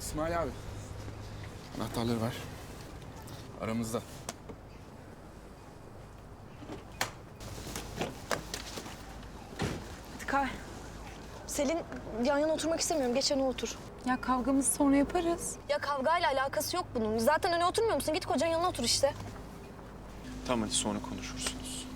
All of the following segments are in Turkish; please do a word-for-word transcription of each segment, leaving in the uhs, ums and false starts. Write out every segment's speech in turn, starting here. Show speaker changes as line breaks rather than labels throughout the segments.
İsmail abi. Anahtarları ver. Aramızda.
Kay. Selin yan yana oturmak istemiyorum. Geç öne otur.
Ya kavgamızı sonra yaparız.
Ya kavgayla alakası yok bunun. Zaten öne oturmuyor musun? Git kocanın yanına otur işte.
Tamam hadi sonra konuşursunuz.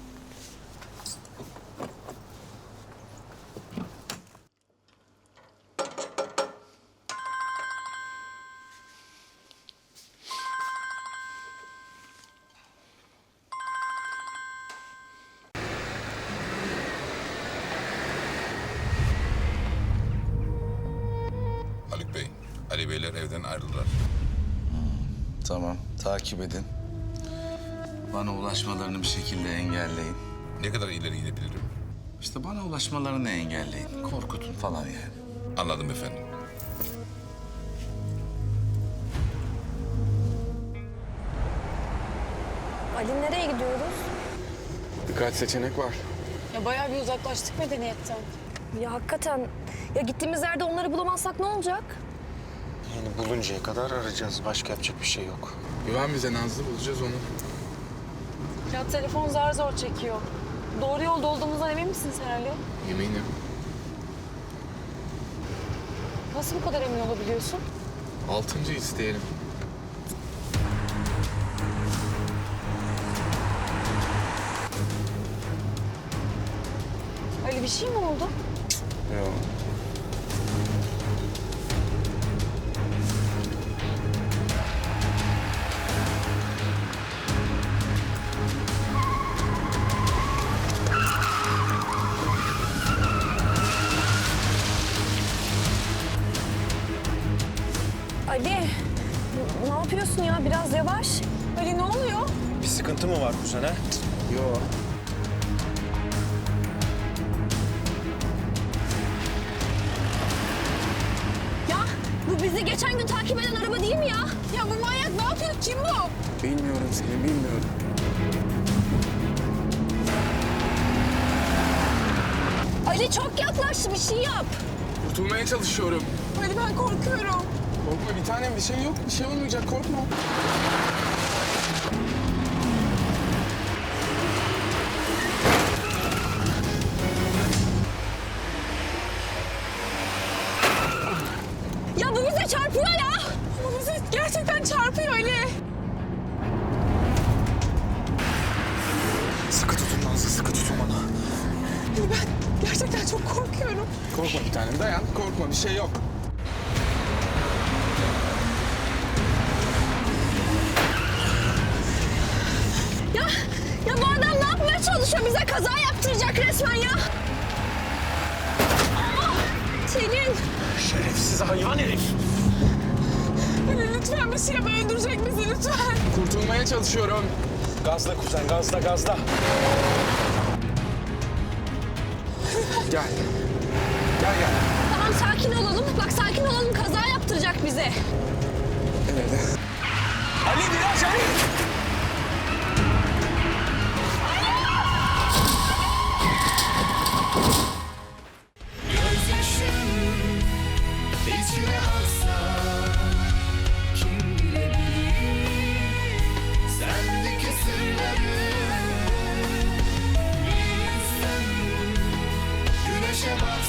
Haluk Bey, Ali Beyler evden ayrıldılar.
Tamam, takip edin. Bana ulaşmalarını bir şekilde engelleyin.
Ne kadar ileri gidebilirim?
İşte bana ulaşmalarını engelleyin. Korkutun falan yani.
Anladım efendim.
Ali nereye gidiyoruz?
Birkaç seçenek var.
Ya bayağı bir uzaklaştık medeniyetten.
Ya hakikaten. Ya gittiğimiz yerde onları bulamazsak ne olacak?
Yani buluncaya kadar arayacağız. Başka yapacak bir şey yok.
Güven bize Nazlı, bulacağız onu.
Ya telefon zar zor çekiyor. Doğru yolda olduğumuzdan emin misin sen Ali?
Eminim.
Nasıl bu kadar emin olabiliyorsun?
Altıncı isteyelim.
Ali bir şey mi oldu?
Yok.
Ali, ne yapıyorsun ya? Biraz yavaş.
Ali ne oluyor?
Bir sıkıntı mı var kuzen ha?
Yok.
Ya bu bizi geçen gün takip eden araba değil mi ya?
Ya bu manyak ne yapıyor? Kim bu?
Bilmiyorum Selin, bilmiyorum.
Ali çok yaklaştı. Bir şey yap.
Kurtulmaya çalışıyorum.
Ali ben korkuyorum.
Korkma bir tanem, bir şey yok. Bir şey olmayacak, korkma.
Ya bu bize çarpıyor ya.
Bu bizi gerçekten çarpıyor Ali.
Sıkı tutun Nazlı, sıkı tutun bana.
Ali ben gerçekten çok korkuyorum.
Korkma bir tanem, dayan. Korkma, bir şey yok.
Ya, ya bu adam ne yapmaya çalışıyor? Bize kaza yaptıracak resmen ya. Aa, Selin.
Şerefsiz hayvan herif.
Ali lütfen bir şey yap. Öldürecek bizi lütfen.
Kurtulmaya çalışıyorum.
Gazla kuzen, gazla, gazla.
Gel. Gel gel.
Tamam sakin olalım. Bak sakin olalım. Kaza yaptıracak bize.
Evet.
Ali biraz Ali!
İçine aksa kim bilebilir sendeki sırları bir insan güneşe bak.